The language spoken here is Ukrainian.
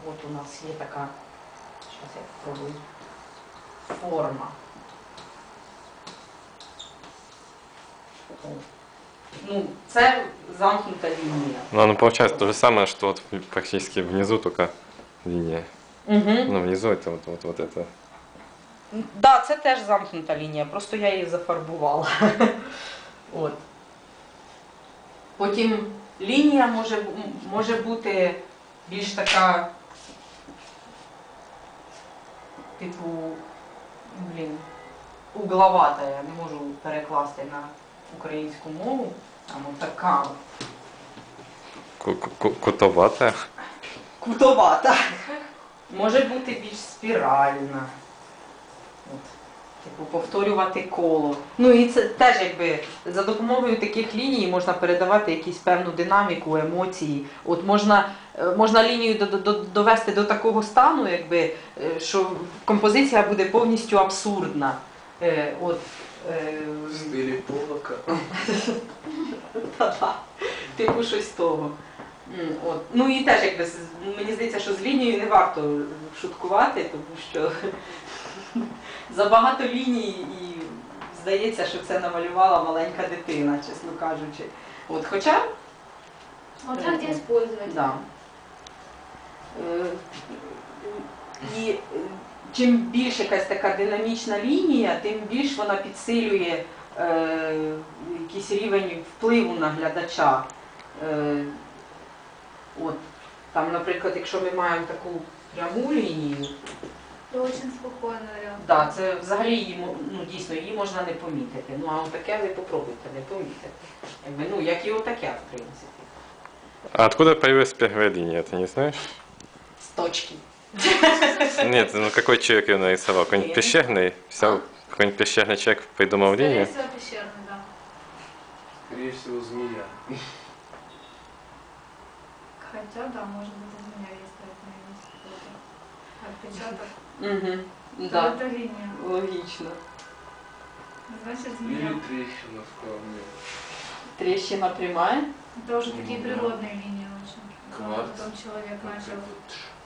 от у нас є така, зараз я спробую, форма. Ну, це замкнута лінія. Ну, оно получается то же самое, что вот практически внизу только линия. Угу. Ну, внизу это вот это. Так, да, це теж замкнута лінія, просто я її зафарбувала. От. Потім лінія може бути більш така, типу, угловата, я не можу перекласти на українську мову, там отака. Кутоватая. Кутовата. Може бути більш спіральна. От. Типу, повторювати коло. Ну і це теж якби за допомогою таких ліній можна передавати якусь певну динаміку, емоції. От можна лінію довести до такого стану, якби, що композиція буде повністю абсурдна. От, В стилі Полока. Типу щось того. От. Ну і теж, якби, мені здається, що з лінією не варто шуткувати, тому що забагато ліній і здається, що це намалювала маленька дитина, чесно кажучи. От, хоча... Вот так где использовать. Да. І чим більше якась така динамічна лінія, тим більш вона підсилює якийсь рівень впливу на глядача. От, там, наприклад, якщо ми маємо таку пряму лінію, То очень спокойно, реально. да, це взагалі її, ну, дійсно, її можна не помітити. Ну, а отаке ви попробуйте не помітити. Якби, ну, як і отаке, в принципі. А откуда появилась первая линия, ты не знаешь? З точки. Нет, ну какой человек ее нарисовал? Какой-нибудь пещерный? Взял какой-нибудь пещерный человек, придумал Скорее линию? всего, пещерный, да. Скорее всего, змея. Хотя, да, может быть, из меня есть какой-то отпечаток. Угу. Да. Да. Это линия. Логічно. Значит, Или змея. трещина в камне. Трещина прямая. Это уже такие Да. природные линии очень. Кварц. Потом человек начал Вот это вот.